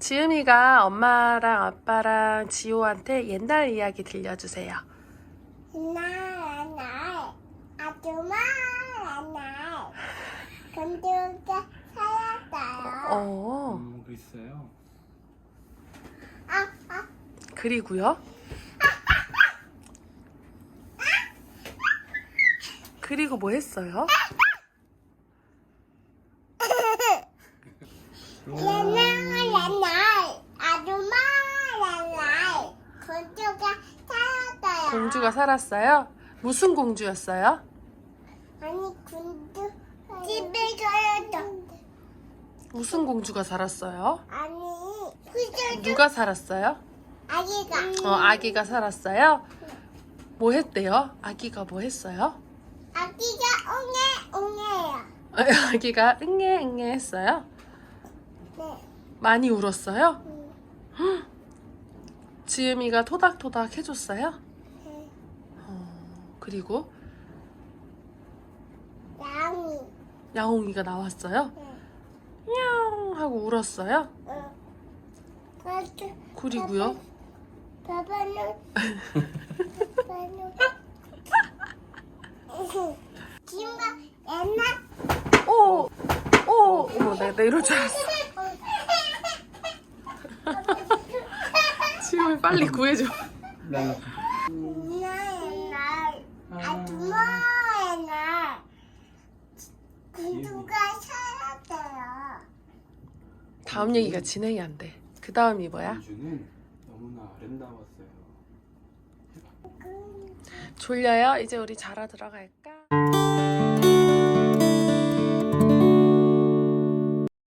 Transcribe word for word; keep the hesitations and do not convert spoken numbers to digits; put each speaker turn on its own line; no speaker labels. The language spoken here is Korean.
지음이가 엄마랑 아빠랑 지호한테 옛날 이야기 들려주세요.
옛날 날 아줌마 날 건조가 살았어요.
어,
음, 글쎄요.
아, 아,
그리고요? 그리고 뭐 했어요?
옛날 날 아줌마 날 건조가 살았어요.
공주가 살았어요? 무슨 공주였어요?
아니 군주 집에 살았어.
무슨 공주가 살았어요?
아니 후절도
누가 살았어요?
아기가
어, 아기가 살았어요? 뭐 했대요? 아기가 뭐 했어요?
아기가 옹해 옹해요.
아기가 응애 응애 했어요?
네.
많이 울었어요?
음,
지음이가 토닥토닥 해줬어요?
네.
어, 그리고
양이.
야옹이가 나왔어요?
네.
냥 하고 울었어요?
어. 그래서
그리고요?
바바는 바바는 지금가 옛날
오! 오! 어머, 나, 나 이럴 줄 알았어. 지음이 빨리 구해줘.
네.
옛날 옛날 아줌마 옛날 군주가 살았어요.
다음 얘기가 진행이 안 돼. 그 다음이 뭐야?
공주는 너무나 아름다웠어요.
졸려요? 이제 우리 자러 들어갈까?